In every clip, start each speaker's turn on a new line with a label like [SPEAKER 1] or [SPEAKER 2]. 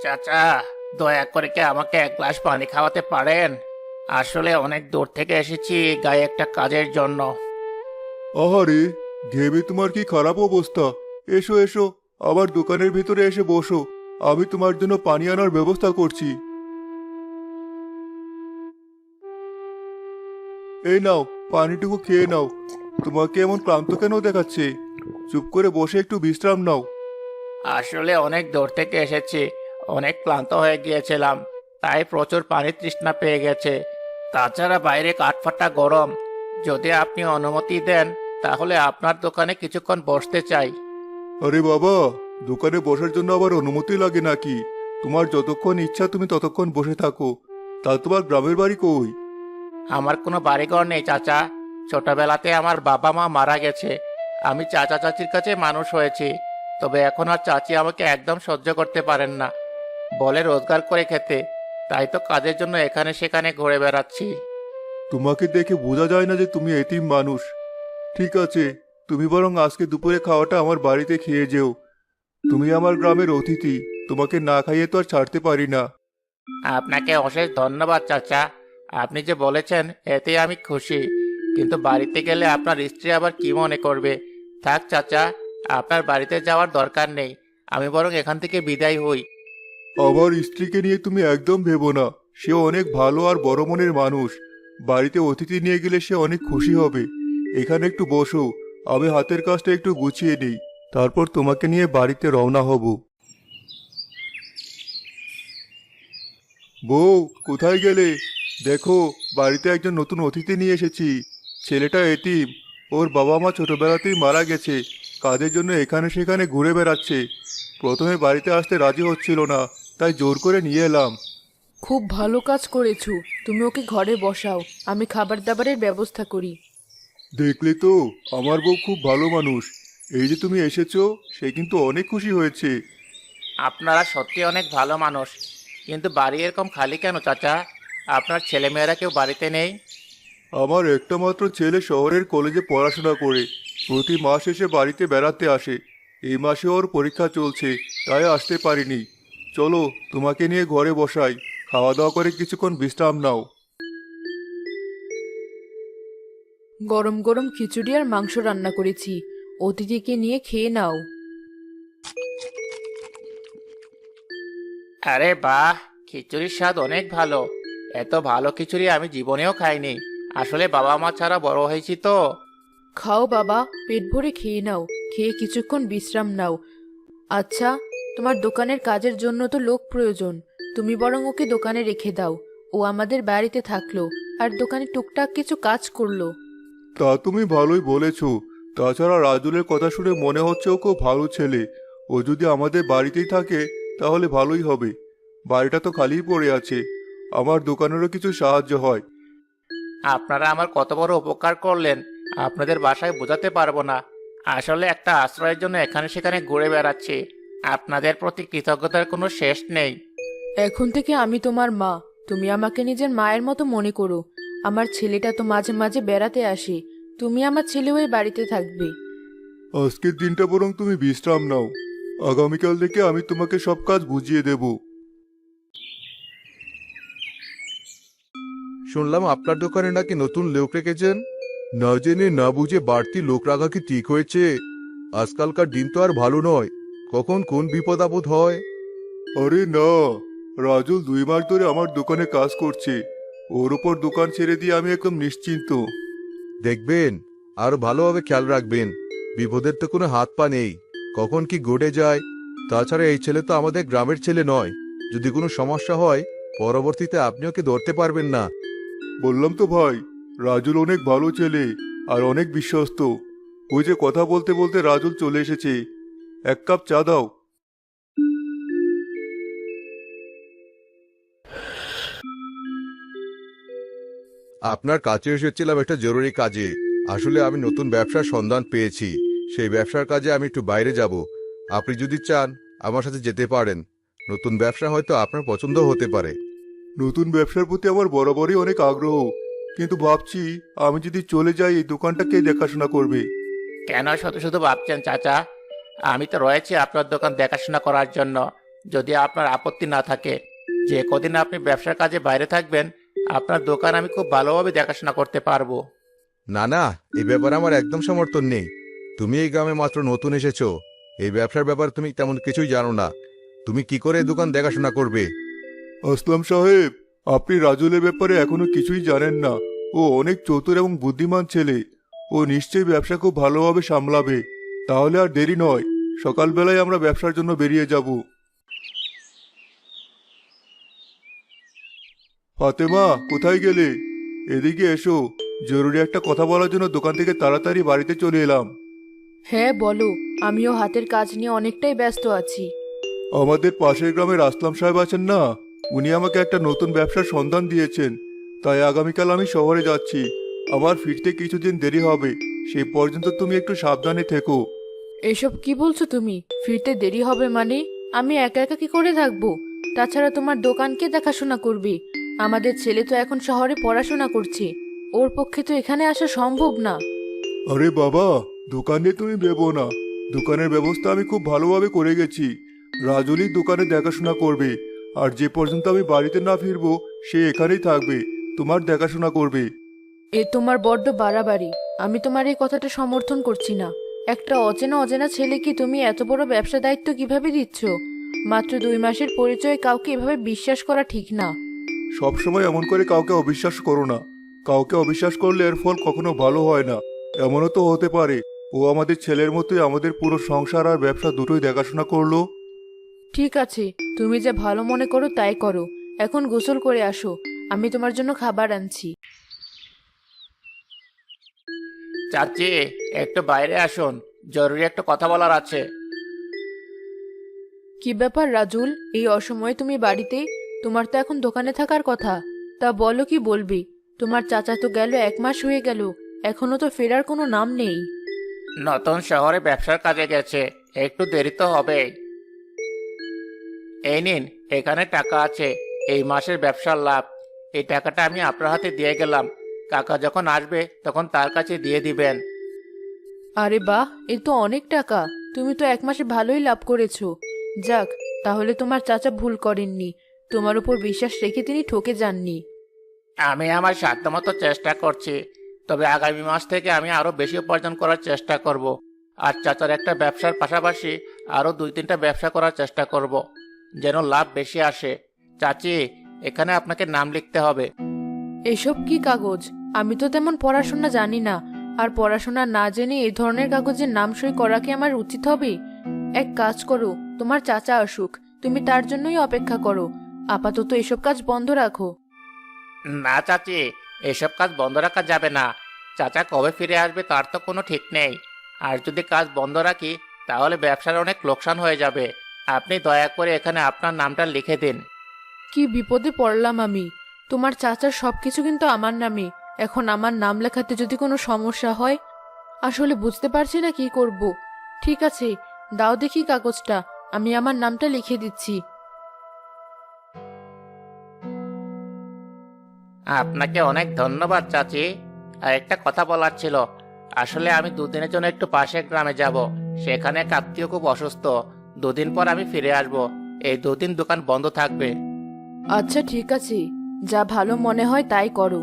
[SPEAKER 1] চাচা, দয়া করে কি আমাকে এক গ্লাস পানি খাওয়াতে পারেন? আসলে অনেক দূর থেকে এসেছি গায়ে একটা কাজের জন্য।
[SPEAKER 2] আহারে, ঘেমে তোমার কি খারাপ অবস্থা। এসো এসো, আবার দোকানের ভিতরে এসে বসো। আমি তোমার জন্য পানি আনার ব্যবস্থা করছি। এই নাও, পানিটুকু খেয়ে নাও। তোমাকে এমন ক্লান্ত কেন দেখাচ্ছে? চুপ করে বসে একটু বিশ্রাম নাও।
[SPEAKER 1] আসলে অনেক দূর থেকে এসেছি, অনেক ক্লান্ত হয়ে গিয়েছিলাম, তাই প্রচুর পানির তৃষ্ণা পেয়ে গেছে। তাছাড়া বাইরে কাঠফাটা গরম। যদি আপনি অনুমতি দেন, তাহলে আপনার দোকানে কিছুক্ষণ বসতে চাই।
[SPEAKER 2] আরে বাবা, দোকানে বসার জন্য আবার অনুমতি লাগে নাকি? তোমার যতক্ষণ ইচ্ছা তুমি ততক্ষণ বসে থাকো। তা তোমার গ্রামের বাড়ি কই?
[SPEAKER 1] আমার কোনো বাড়িঘর নেই চাচা। ছোটবেলাতে আমার বাবা মা মারা গেছে। আমি চাচা চাচির কাছে মানুষ হয়েছি। তবে এখন আর চাচি আমাকে একদম সহ্য করতে পারেন না। বলে রোজগার করে খেতে। তাই তো কাজের জন্য এখানে সেখানে ঘুরে বেড়াচ্ছি।
[SPEAKER 2] তোমাকে দেখে বোঝা যায় না যে তুমি এতিম মানুষ। ঠিক আছে, তুমি বরং আজকে দুপুরে খাওয়াটা আমার বাড়িতে খেয়ে যেও। তুমি আমার গ্রামের অতিথি, তোমাকে না খাইয়ে তো আর ছাড়তে পারি না।
[SPEAKER 1] আপনাকে অশেষ ধন্যবাদ চাচা। আপনি যে বলেছেন এতে আমি খুশি। কিন্তু বাড়িতে গেলে আপনার স্ত্রী আবার কি মনে করবে? থাক চাচা, আপনার বাড়িতে যাওয়ার দরকার নেই। আমি বরং এখান থেকে বিদায় হই।
[SPEAKER 2] আমার স্ত্রীকে নিয়ে তুমি একদম ভেবো না। সে অনেক ভালো আর বড় মনের মানুষ। বাড়িতে অতিথি নিয়ে গেলে সে অনেক খুশি হবে। এখানে একটু বসো, আমি হাতের কাজটা একটু গুছিয়ে নিই। তারপর তোমাকে নিয়ে বাড়িতে রওনা হব। বউ, কোথায় গেলে? দেখো, বাড়িতে একজন নতুন অতিথি নিয়ে এসেছি। ছেলেটা এতিম। ওর বাবা মা ছোটবেলাতেই মারা গেছে। কাজের জন্য এখানে সেখানে ঘুরে বেড়াচ্ছে। প্রথমে বাড়িতে আসতে রাজি হচ্ছিল না, তাই জোর করে নিয়ে এলাম।
[SPEAKER 3] খুব ভালো কাজ করেছো। তুমি ওকে ঘরে বসাও, আমি খাবার দাবারের ব্যবস্থা করি।
[SPEAKER 2] দেখলে তো, আমার বউ খুব ভালো মানুষ। এই যে তুমি এসেছো, সে কিন্তু অনেক খুশি হয়েছে।
[SPEAKER 1] আপনারা সত্যি অনেক ভালো মানুষ। কিন্তু বাড়ি এরকম খালি কেন চাচা? আপনার ছেলেমেয়েরা কেউ বাড়িতে নেই?
[SPEAKER 2] আমার একটা মাত্র ছেলে শহরের কলেজে পড়াশোনা করে প্রতি মাস এসে বাড়িতে বেড়াতে আসে। এই মাসে ওর পরীক্ষা চলছে, তাই আসতে পারিনি। চলো, তোমাকে নিয়ে ঘরে বসাই। খাওয়া দাওয়া করে কিছুক্ষণ বিশ্রাম নাও।
[SPEAKER 3] গরম গরম খিচুড়ি আর মাংস রান্না করেছি, অতিথিকে নিয়ে খেয়ে নাও।
[SPEAKER 1] আরে বাহ, খিচুড়ির স্বাদ অনেক ভালো। এত ভালো খিচুড়ি আমি জীবনেও খাইনি। আসলে বাবা মা ছাড়া বড় হয়েছি তো।
[SPEAKER 3] খাও বাবা, পেট ভরে খেয়ে নাও। খেয়ে কিছুক্ষণ বিশ্রাম নাও। আচ্ছা, তোমার দোকানের কাজের জন্য তো লোক প্রয়োজন। তুমি বরং ওকে দোকানে রেখে দাও। ও আমাদের বাড়িতে থাকলো আর দোকানে টুকটাক কিছু কাজ করলো।
[SPEAKER 2] তা তুমি ভালোই বলেছো। তাছাড়া রাজুলের কথা শুনে মনে হচ্ছে ও খুব ভালো ছেলে। ও যদি আমাদের বাড়িতেই থাকে তাহলে ভালোই হবে। বাড়িটা তো খালিই পড়ে আছে, আমার দোকানেরও কিছু সাহায্য হয়।
[SPEAKER 1] আপনারা আমার কত বড় উপকার করলেন, আপনাদের বাসায় বোঝাতে পারবো না। আসলে একটা আশ্রয়ের জন্য এখানে সেখানে ঘুরে বেড়াচ্ছি। আপনাদের প্রতি কৃতজ্ঞতার কোনো শেষ নেই।
[SPEAKER 3] এখন থেকে আমি তোমার মা। তুমি আমাকে নিজের মায়ের মতো মনে করো। আমার ছেলেটা তো মাঝে মাঝে বেড়াতে আসে। তুমি আমার ছেলে হয়ে বাড়িতে থাকবে।
[SPEAKER 2] আজকের দিনটা বরং তুমি বিশ্রাম নাও। আগামীকাল থেকে আমি তোমাকে সব কাজ বুঝিয়ে দেব।
[SPEAKER 4] শুনলাম আপনার দোকানে নাকি নতুন লোক রেখেছেন। না জেনে না বুঝে বাড়তি লোক রাখা কি ঠিক হয়েছে? আজকালকার দিন তো আর ভালো নয়, কখন কোন বিপদ আপদ হয়।
[SPEAKER 2] আরে না, রাজুল 2 মাস ধরে আমার দোকানে কাজ করছে। ওর উপর দোকান ছেড়ে দিয়ে আমি একদম নিশ্চিন্ত।
[SPEAKER 4] দেখবেন, আর ভালোভাবে খেয়াল রাখবেন। বিপদের তো কোনো হাত পা নেই, কখন কি ঘটে যায়। তাছাড়া এই ছেলে তো আমাদের গ্রামের ছেলে নয়। যদি কোনো সমস্যা হয়, পরবর্তীতে আপনি ওকে ধরতে পারবেন না।
[SPEAKER 2] বললাম তো ভাই, রাজুল অনেক ভালো ছেলে আর অনেক বিশ্বস্ত। ওই যে কথা বলতে বলতে রাজুল চলে এসেছে। এক কাপ চা দাও।
[SPEAKER 4] আপনার কাছে এসেছিলাম একটা জরুরি কাজে। আসলে আমি নতুন ব্যবসার সন্ধান পেয়েছি। সেই ব্যবসার কাজে আমি একটু বাইরে যাব। আপনি যদি চান, আমার সাথে যেতে পারেন। নতুন ব্যবসা হয়তো আপনার পছন্দ হতে পারে।
[SPEAKER 2] নতুন ব্যবসার প্রতি আমার বরাবরই অনেক আগ্রহ, কিন্তু ভাবছি আমি যদি চলে যাই এই দোকানটা কে দেখাশোনা করবে।
[SPEAKER 1] কেন শুধু শুধু ভাবছেন চাচা? আমি তো রয়েছি আপনার দোকান দেখাশোনা করার জন্য। যদি আপনার আপত্তি না থাকে। যে কদিন আপনি ব্যবসার কাজে বাইরে থাকবেন, আপনার দোকান আমি খুব ভালোভাবে দেখাশোনা করতে পারবো।
[SPEAKER 4] না না, এই ব্যাপারে আমার একদম সমর্থন নেই। তুমি এই গ্রামে মাত্র নতুন এসেছো, এই ব্যবসার ব্যাপারে তুমি তেমন কিছুই জানো না। তুমি কি করে এই দোকান দেখাশোনা করবে?
[SPEAKER 2] আসলাম সাহেব, আপনি রাজুলের ব্যাপারে এখনো কিছুই জানেন না। ও অনেক চতুর এবং বুদ্ধিমান ছেলে। ও নিশ্চয়ই ব্যবসা খুব ভালোভাবে সামলাবে। তাহলে আর দেরি নয়, সকালবেলায় আমরা ব্যবসার জন্য বেরিয়ে যাব। ফাতেমা, কোথায় গেলে? এদিকে এসো। জরুরি একটা কথা বলার জন্য দোকান থেকে তাড়াতাড়ি বাড়িতে চলে এলাম।
[SPEAKER 3] হ্যাঁ বলো, আমিও হাতের কাজ নিয়ে অনেকটাই ব্যস্ত আছি।
[SPEAKER 2] আমাদের পাশের গ্রামের আসলাম সাহেব আছেন না, উনি আমাকে একটা নতুন ব্যবসার সন্ধান দিয়েছেন। তাই আগামীকাল আমি শহরে যাচ্ছি। আমার ফিরতে কিছুদিন দেরি হবে। সেই পর্যন্ত তুমি একটু সাবধানে থেকো।
[SPEAKER 3] এসব কি বলছো তুমি? ফিরতে দেরি হবে মানে? আমি একা একা কি করে থাকবো? তাছাড়া তোমার দোকানকে দেখাশোনা করবে? আমাদের ছেলে তো এখন শহরে পড়াশোনা করছে, ওর পক্ষে তো এখানে আসা সম্ভব না।
[SPEAKER 2] আরে বাবা, দোকানে তুমি ভেবো না। দোকানের ব্যবস্থা আমি খুব ভালোভাবে করে গেছি। রাজুলি দোকানে দেখাশোনা করবে। আর যে পর্যন্ত আমি বাড়িতে না ফিরবো, সে এখানেই থাকবে, তোমার দেখাশোনা করবে।
[SPEAKER 3] এ তোমার বড্ড বাড়াবাড়ি। আমি তোমার এই কথাটা সমর্থন করছি না। একটা অচেনা অচেনা ছেলেকে তুমি এত বড় ব্যবসা দায়িত্ব কিভাবে দিচ্ছ? মাত্র 2 মাসের পরিচয়ে কাউকে এভাবে বিশ্বাস করা ঠিক না।
[SPEAKER 2] সবসময় এমন করে কাউকে অবিশ্বাস করো না। কাউকে অবিশ্বাস করলে এর ফল কখনো ভালো হয় না। এমনও তো হতে পারে ও আমাদের ছেলের মতোই আমাদের পুরো সংসার আর ব্যবসা দুটোই দেখাশোনা করলো।
[SPEAKER 3] ঠিক আছে, তুমি যা ভালো মনে করো তাই করো। এখন গোসল করে আসো, আমি তোমার জন্য খাবার আনছি।
[SPEAKER 1] চাচি, একটু বাইরে আসুন, জরুরি একটা কথা বলার আছে।
[SPEAKER 3] কি ব্যাপার রাজুল, এই অসময়ে তুমি বাড়িতে? তোমার তো এখন দোকানে থাকার কথা। তা বলো, কি বলবি? তোমার চাচা তো গেল 1 মাস হয়ে গেল, এখনো তো ফেরার কোনো নাম নেই।
[SPEAKER 1] নতুন শহরে ব্যবসার কাজে গেছে, একটু দেরি তো হবেই। এই নিন, এখানে টাকা আছে, এই মাসের ব্যবসার লাভ। এই টাকাটা আমি আপনার হাতে দিয়ে গেলাম। কাকা যখন আসবে তখন তার কাছে দিয়ে দিবেন।
[SPEAKER 3] আরে বাহ, এ তো অনেক টাকা। তুমি তো 1 মাসে ভালোই লাভ করেছো। যাক, তাহলে তোমার চাচা ভুল করেননি। তোমার উপর বিশ্বাস রেখে তিনি ঠকে যাননি।
[SPEAKER 1] আমি আমার সাধ্যমতো চেষ্টা করছি, তবে আগামী মাস থেকে আমি আরো বেশি উপার্জন করার চেষ্টা করব। আর চাচার একটা ব্যবসার পাশাপাশি আরো 2-3টা ব্যবসা করার চেষ্টা করব, যেন লাভ বেশি আসে। চাচি, এখানে আপনাকে নাম লিখতে হবে।
[SPEAKER 3] এসব কি কাগজ? আমি তো তেমন পড়াশোনা জানি না। আর পড়াশোনা না জেনে এই ধরনের কাগজের নাম সই করা কি আমার উচিত হবে? এক কাজ করো, তোমার চাচা আসুক, তুমি তার জন্যই অপেক্ষা করো। আপাতত এসব কাজ বন্ধ রাখো।
[SPEAKER 1] না চাচি, এসব কাজ বন্ধ রাখা যাবে না। চাচা কবে ফিরে আসবে তার তো কোনো ঠিক নেই। আর যদি কাজ বন্ধ রাখি তাহলে ব্যবসার অনেক লোকসান হয়ে যাবে। আপনি দয়া করে এখানে আপনার নামটা লিখে দিন।
[SPEAKER 3] কি বিপদে পড়লাম আমি! তোমার চাচার সবকিছু কিন্তু আমার নামে। এখন আমার নাম লেখাতে যদি কোনো সমস্যা হয়, আসলে বুঝতে পারছি না কি করব। ঠিক আছে, দাও দেখি কাগজটা, আমি আমার নামটা লিখে দিচ্ছি।
[SPEAKER 1] আপনাকে অনেক ধন্যবাদ চাচি। আর একটা কথা বলার ছিল। আসলে আমি 2 দিনের জন্য একটু পাশের গ্রামে যাব। সেখানে এক আত্মীয় খুব অসুস্থ। 2 দিন পর আমি ফিরে আসব। এই 2 দিন দোকান বন্ধ থাকবে।
[SPEAKER 3] আচ্ছা ঠিক আছে, যা ভালো মনে হয় তাই করো।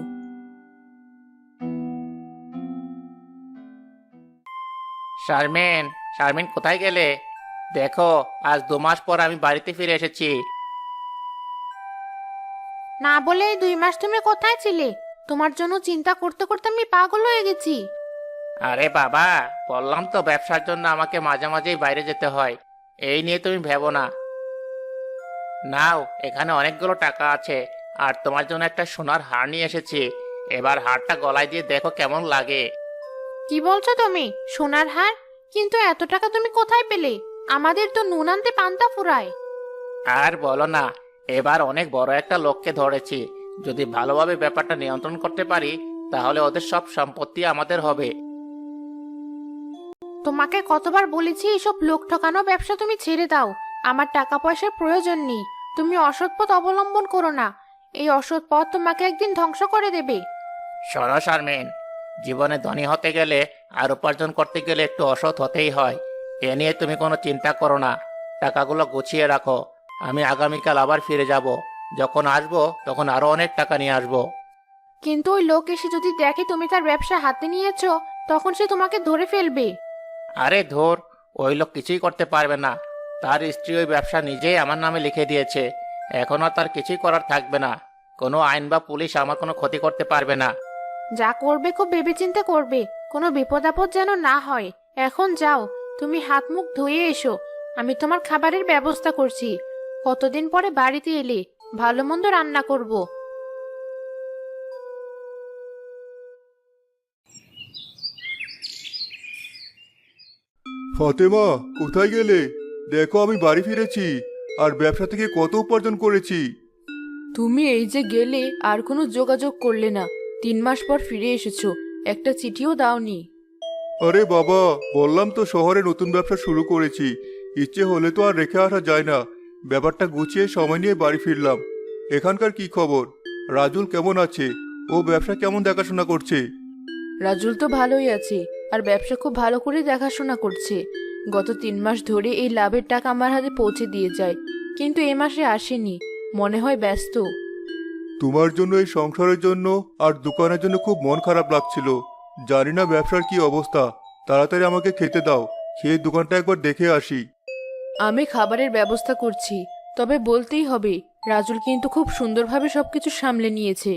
[SPEAKER 1] শারমিন, শারমিন কোথায় গেলে? দেখো, আজ 2 মাস পর আমি বাড়িতে ফিরে এসেছি।
[SPEAKER 5] না বলে এই 2 মাস তুমি কোথায় ছিলে? তোমার জন্য চিন্তা করতে করতে আমি পাগল হয়ে গেছি।
[SPEAKER 1] আরে বাবা, বললাম তো ব্যবসার জন্য আমাকে মাঝে মাঝেই বাইরে যেতে হয়। এই নিয়ে তুমি ভেবো না। নাও, এখানে অনেকগুলো টাকা আছে। আর তোমার জন্য একটা সোনার হার নিয়ে এসেছি। এবার হারটা গলায় দিয়ে দেখো কেমন লাগে।
[SPEAKER 5] কি বলছো তুমি? সোনার হার? কিন্তু এত টাকা তুমি কোথায় পেলে? আমাদের তো নুন আনতে পান্তা ফুরায়।
[SPEAKER 1] আর বলো না, এবার অনেক বড় একটা লোককে ধরেছি। যদি ভালোভাবে ব্যাপারটা নিয়ন্ত্রণ করতে পারি তাহলে ওদের সব সম্পত্তি আমাদের হবে।
[SPEAKER 5] তোমাকে কতবার বলেছি এসব লোক ঠকানো ব্যবসা তুমি ছেড়ে দাও। আমার টাকা পয়সার প্রয়োজন নেই। তুমি অসৎ পথ অবলম্বন করো না। এই অসৎ পথ তোমাকে একদিন ধ্বংস করে দেবে।
[SPEAKER 1] শোনো শারমিন, জীবনে ধনী হতে গেলে আর উপার্জন করতে গেলে একটু অসৎ হতেই হয়। এ নিয়ে তুমি কোনো চিন্তা করো না। টাকাগুলো গুছিয়ে রাখো। আমি আগামীকাল আবার ফিরে যাব। যখন আসবো তখন আরো অনেক টাকা নিয়ে আসবো।
[SPEAKER 5] কিন্তু ওই লোক এসে যদি দেখে তুমি তার ব্যবসা হাতে নিয়েছো, তখন সে তোমাকে ধরে ফেলবে।
[SPEAKER 1] আরে ধর, ওই লোক কিছুই করতে পারবে না। তার স্ত্রী ওই ব্যবসা নিজেই আমার নামে লিখে দিয়েছে। এখন আর তার কিছুই করার থাকবে না। কোনো আইন বা পুলিশ আমার কোনো ক্ষতি করতে পারবে না।
[SPEAKER 5] যা করবে খুব ভেবেচিন্তে করবে, কোনো বিপদ আপদ যেন না হয়। এখন যাও, তুমি হাত মুখ ধুয়ে এসো। আমি তোমার খাবারের ব্যবস্থা করছি। কতদিন পরে বাড়িতে এলে, ভালো মন্দ রান্না করব।
[SPEAKER 2] ফাতেমা, কোথায় গেলে? দেখো, আমি বাড়ি ফিরেছি আর ব্যবসা থেকে কত উপার্জন করেছি।
[SPEAKER 3] তুমি এই যে গেলে আর কোনো যোগাযোগ করলে না, 3 মাস পর ফিরে এসেছো, একটা চিঠিও দাওনি।
[SPEAKER 2] আরে বাবা, বললাম তো শহরে নতুন ব্যবসা শুরু করেছি। ইচ্ছে হলে তো আর রেখে আসা যায় না। ব্যাপারটা গুছিয়ে সময় নিয়ে বাড়ি ফিরলাম। এখানকার কি খবর? রাজুল কেমন আছে? ও ব্যবসা কেমন দেখাশোনা করছে?
[SPEAKER 3] রাজুল তো ভালোই আছে, আর ব্যবসা খুব ভালো করে দেখাশোনা করছে। গত 3 মাস ধরে এই লাভের টাকা আমার হাতে পৌঁছে দিয়ে যায়, কিন্তু এ মাসে আসেনি, মনে হয় ব্যস্ত।
[SPEAKER 2] তোমার জন্য, এই সংসারের জন্য আর দোকানের জন্য খুব মন খারাপ লাগছিল। জানি না ব্যবসার কি অবস্থা। তাড়াতাড়ি আমাকে খেতে দাও, খেয়ে দোকানটা একবার দেখে আসি।
[SPEAKER 3] আমি খাবারের ব্যবস্থা করছি, তবে বলতেই হবে রাজুল কিন্তু খুব সুন্দরভাবে সবকিছু সামলে নিয়েছে।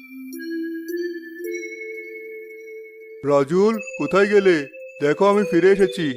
[SPEAKER 2] রাজুল, কোথায় গেলে? দেখো, আমি ফিরে এসেছি।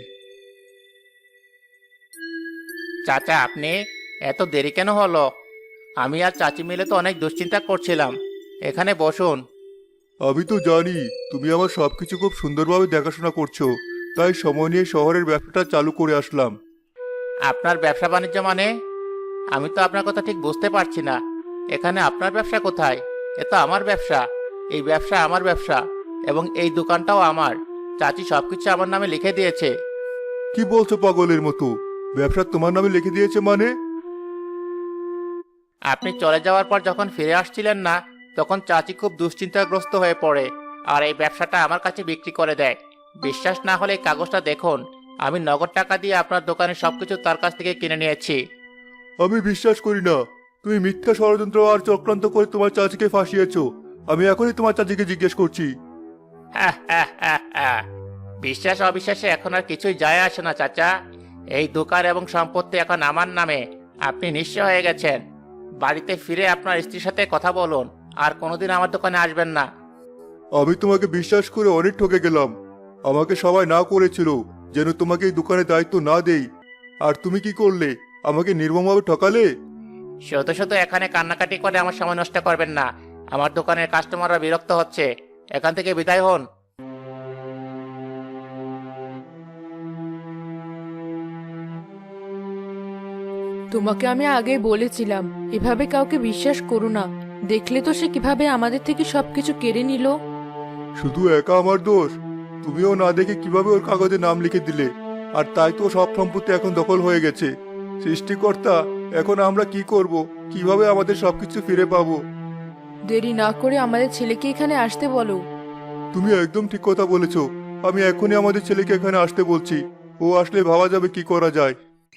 [SPEAKER 1] চাচা, আপনি এত দেরি কেন হলো? আমি আর চাচি মিলে তো অনেক দুশ্চিন্তা করছিলাম। এখানে বসুন।
[SPEAKER 2] আমি তো জানি তুমি আমার সবকিছু খুব সুন্দরভাবে দেখাশোনা করছো, তাই সময় নিয়ে শহরের ব্যবসাটা চালু করে আসলাম।
[SPEAKER 1] আপনার ব্যবসা বাণিজ্য মানে? আমি তো আপনার কথা ঠিক বুঝতে পারছি না। এখানে আপনার ব্যবসা কোথায়? এ তো আমার ব্যবসা। এই ব্যবসা আমার ব্যবসা, এবং এই দোকানটাও আমার। চাচি সবকিছু আমার নামে লিখে দিয়েছে।
[SPEAKER 2] কি বলছো পাগলের মতো? ব্যবসা তোমার নামে লিখে দিয়েছে মানে?
[SPEAKER 1] আপনি চলে যাওয়ার পর যখন ফিরে আসছিলেন না, তখন চাচি খুব দুশ্চিন্তাগ্রস্ত হয়ে পড়ে আর এই ব্যবসাটা আমার কাছে বিক্রি করে দেয়। বিশ্বাস না হলে এই কাগজটা দেখুন। আমি নগদ টাকা দিয়ে আপনার দোকানে সবকিছু তার কাছ থেকে কিনে নিয়েছি।
[SPEAKER 2] আমি বিশ্বাস করি না। তুমি মিথ্যা ষড়যন্ত্র আর চক্রান্ত করে তোমার চাচিকে ফাঁসিয়েছো। আমি এখনই তোমার চাচিকে জিজ্ঞেস করছি।
[SPEAKER 1] হ্যাঁ, হ্যাঁ, হ্যাঁ, হ্যাঁ। বিশ্বাস অবিশ্বাসে এখন আর কিছুই যায় আসে না চাচা। এই দোকান এবং সম্পত্তি এখন আমার নামে। আপনি নিঃস্ব হয়ে গেছেন। বাড়িতে ফিরে আপনার স্ত্রীর সাথে কথা বলুন, আর কোনোদিন আমার দোকানে আসবেন না।
[SPEAKER 2] আমি তোমাকে বিশ্বাস করে অনেক ঠকে গেলাম। আমাকে সবাই না করেছিল যেন তোমাকে এই দোকানে দায়িত্ব না দেই। আর তুমি কি করলে? আমাকে নির্মমভাবে ঠকালে।
[SPEAKER 1] শুধু শুধু এখানে কান্নাকাটি করে আমার সময় নষ্ট করবেন না। আমার দোকানের কাস্টমাররা বিরক্ত হচ্ছে। এখান থেকে বিদায় হন।
[SPEAKER 3] তোমাকে আমি আগেই বলেছিলাম এভাবে কাউকে বিশ্বাস করো না। দেখলে তো সে কিভাবে আমাদের থেকে সবকিছু কেড়ে নিল।
[SPEAKER 2] শুধু একা আমার দোষ? তুমিও না দেখে কিভাবে ওর কাগজে নাম লিখে দিলে, আর তাই তো সব সম্পত্তি এখন দখল হয়ে গেছে। সৃষ্টিকর্তা, এখন আমরা কি করব? কিভাবে আমাদের সবকিছু ফিরে পাবো?
[SPEAKER 3] দেরি না করে আমাদের ছেলেকে এখানে আসতে বলো।
[SPEAKER 2] তুমি একদম ঠিক কথা বলেছো। আমি এখনই আমাদের ছেলেকে এখানে আসতে বলছি। ও আসলে ভাবা যাবে কি করা যায়।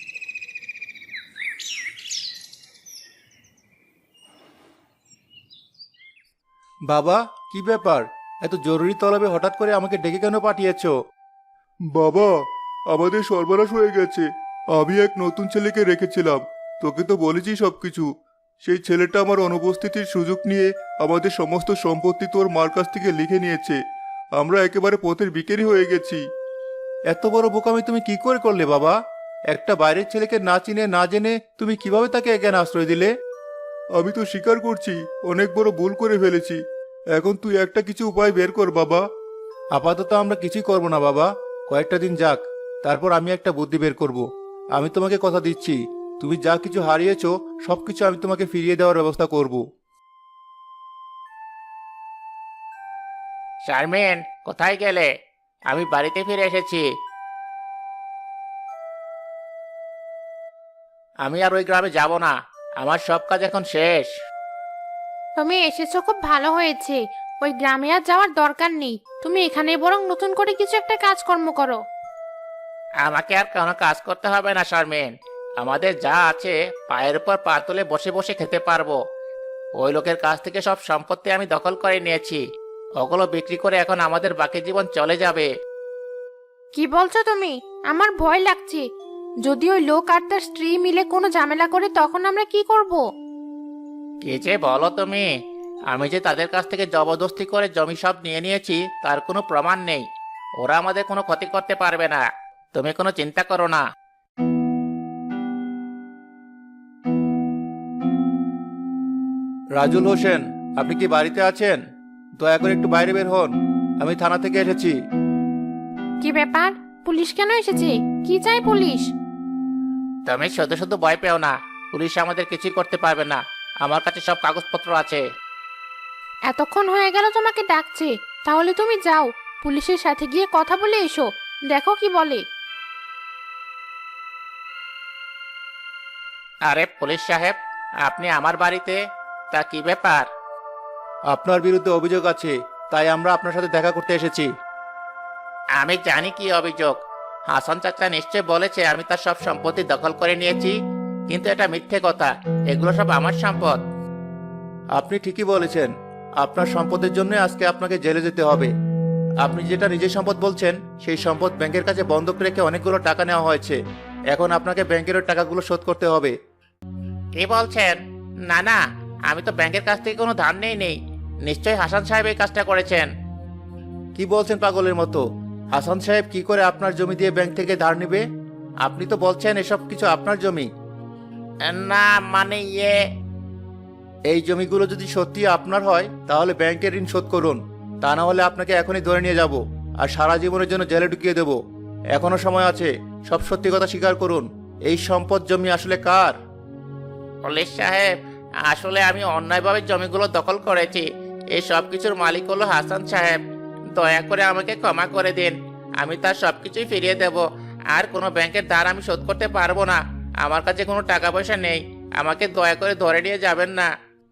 [SPEAKER 1] বাবা, কি ব্যাপার? এত জরুরি তলবে হঠাৎ করে আমাকে ডেকে কেন পাঠিয়েছো?
[SPEAKER 2] বাবা, আমাদের সর্বনাশ হয়ে গেছে। আমি এক নতুন ছেলেকে রেখেছিলাম। তোকে তো বলেছি সবকিছু। সেই ছেলেটা আমার অনুপস্থিতির সুযোগ নিয়ে আমাদের সমস্ত সম্পত্তি তোর মার কাছ থেকে লিখে নিয়েছে। আমরা একেবারে পথের ভিখারি হয়ে গেছি।
[SPEAKER 1] এত বড় বোকামি তুমি কি করে করলে বাবা? একটা বাইরের ছেলেকে না চিনে না জেনে তুমি কিভাবে তাকে এখানে আশ্রয় দিলে?
[SPEAKER 2] আমি তো স্বীকার করছি অনেক বড় ভুল করে ফেলেছি। এখন তুই একটা কিছু উপায় বের কর বাবা।
[SPEAKER 1] আপাতত আমরা কিছুই করব না বাবা। কয়েকটা দিন যাক, তারপর আমি একটা বুদ্ধি বের করব। আমি তোমাকে কথা দিচ্ছি, তুমি যা কিছু হারিয়েছো সবকিছু আমি তোমাকে ফিরিয়ে দেওয়ার ব্যবস্থা করব। শারমিন, কোথায় গেলে? আমি বাড়িতে ফিরে এসেছি। আমি আর ওই গ্রামে যাব না। আমার সব কাজ এখন শেষ।
[SPEAKER 5] তুমি এসেছো খুব ভালো হয়েছে। ওই গ্রামে আর যাওয়ার দরকার নেই। তুমি এখানে বরং নতুন করে কিছু একটা কাজকর্ম করো।
[SPEAKER 1] আমাকে আর কোনো কাজ করতে হবে না শারমিন। আমাদের যা আছে পায়ের উপর পা তুলে বসে বসে খেতে পারবো। ওই লোকের কাছ থেকে সব সম্পত্তি আমি দখল করে নিয়েছি। ওগুলো বিক্রি করে এখন আমাদের বাকি জীবন চলে যাবে।
[SPEAKER 5] কি বলছো তুমি? আমার ভয় লাগছে। যদি ওই লোক আর তার স্ত্রী মিলে কোনো ঝামেলা করে তখন আমরা কি করব?
[SPEAKER 1] কি যে বলো তুমি! আমি যে তাদের কাছ থেকে জবরদস্তি করে জমি সব নিয়ে নিয়েছি তার কোনো প্রমাণ নেই। ওরা আমাদের কোনো ক্ষতি করতে পারবে না। তুমি কোনো চিন্তা করো না।
[SPEAKER 2] রাজুল হোসেন, আপনি কি বাড়িতে আছেন? দয়া করে একটু বাইরে বের হন। আমি থানা থেকে এসেছি।
[SPEAKER 5] কি ব্যাপার? পুলিশ কেন এসেছে? কি চাই পুলিশ?
[SPEAKER 1] তুমি শুধু শুধু ভয় পেও না। পুলিশ আমাদের কিছুই করতে পারবে না। আমার কাছে সব কাগজপত্র আছে।
[SPEAKER 5] এতক্ষণ হয়ে গেল তোমাকে ডাকছে, তাহলে তুমি যাও, পুলিশের সাথে গিয়ে কথা বলে এসো। দেখো কি বলে।
[SPEAKER 1] আরে পুলিশ সাহেব, আপনি আমার বাড়িতে? তা কি ব্যাপার?
[SPEAKER 2] আপনার বিরুদ্ধে অভিযোগ আছে, তাই আমরা আপনার সাথে দেখা করতে এসেছি।
[SPEAKER 1] আমি জানি কি অভিযোগ। হাসান চাচা নিশ্চয় বলেছে আমি তার সব সম্পত্তি দখল করে নিয়েছি, কিন্তু এটা মিথ্যে কথা। এগুলো সব আমার সম্পদ।
[SPEAKER 2] আপনি ঠিকই বলেছেন। আপনার সম্পদের জন্য আজকে আপনাকে জেলে যেতে হবে। আপনি যেটা নিজের সম্পদ বলছেন, সেই সম্পদ ব্যাংকের কাছে বন্ধক রেখে অনেকগুলো টাকা নেওয়া হয়েছে। এখন আপনাকে ব্যাংকের ওই টাকাগুলো শোধ করতে হবে।
[SPEAKER 1] কি বলছেন? না না, আমি তো ব্যাংকের কাছ থেকে কোনো ধার নেই। নিশ্চয়ই হাসান সাহেব এই কাজটা করেছেন।
[SPEAKER 2] কি বলছেন পাগলের মতো? হাসান সাহেব কি করে আপনার জমি দিয়ে ব্যাংক থেকে ধার নেবে? আপনি তো বলছেন এসব কিছু আপনার জমি।
[SPEAKER 1] না মানে
[SPEAKER 2] এই জমিগুলো যদি সত্যি আপনার হয় তাহলে ব্যাংকের ঋণ শোধ করুন। তা না হলে আপনাকে এখনই ধরে নিয়ে যাব আর সারা জীবনের জন্য জেলে ঢুকিয়ে দেব। এখনো সময় আছে, সব সত্যি কথা স্বীকার করুন। এই সম্পদ জমি আসলে কার?
[SPEAKER 1] পুলিশ সাহেব, আসলে আমি অন্যায়ভাবে জমিগুলো দখল করেছি। এই সব কিছুর মালিক হলো হাসান সাহেব। দয়া করে আমাকে ক্ষমা করে দিন। আমি তার সবকিছুই ফিরিয়ে দেব। আর কোনো ব্যাংকের ধার আমি শোধ করতে পারবো না। আমার কাছে কোনো টাকা পয়সা নেই। আমাকে দয়া করে ধরে নিয়ে যাবেন না।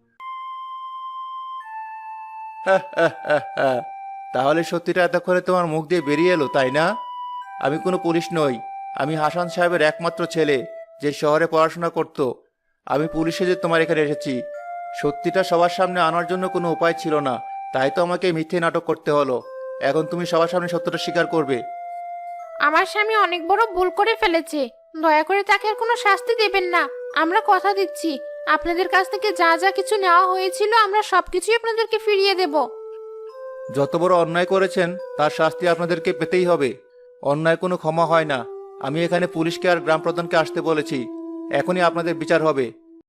[SPEAKER 2] তাহলে সত্যিটা এতক্ষণে তোমার মুখ দিয়ে বেরিয়ে এলো, তাই না? আমি কোনো পুলিশ নই। আমি হাসান সাহেবের একমাত্র ছেলে, যে শহরে পড়াশোনা করত। আমি পুলিশে যে তোমার এখানে এসেছি। সত্যিটা সবার সামনে আনার জন্য কোনো উপায় ছিল না, তাই তো আমাকে মিথ্যে নাটক করতে হলো। এখন তুমি সবার সামনে সত্যটা স্বীকার করবে।
[SPEAKER 5] আমার স্বামী অনেক বড় ভুল করে ফেলেছে। দয়া করে তাকে আর কোনো শাস্তি দেবেন না। আমরা কথা দিচ্ছি, আপনাদের কাছ থেকে যা যা কিছু নেওয়া হয়েছিল আমরা সবকিছুই আপনাদেরকে ফিরিয়ে দেব।
[SPEAKER 2] যত বড় অন্যায় করেছেন তার শাস্তি আপনাদেরকে পেতেই হবে। অন্যায় কোনো ক্ষমা হয় না। আমি এখানে পুলিশকে আর গ্রাম প্রধানকে আসতে বলেছি। এখনই আপনাদের বিচার হবে।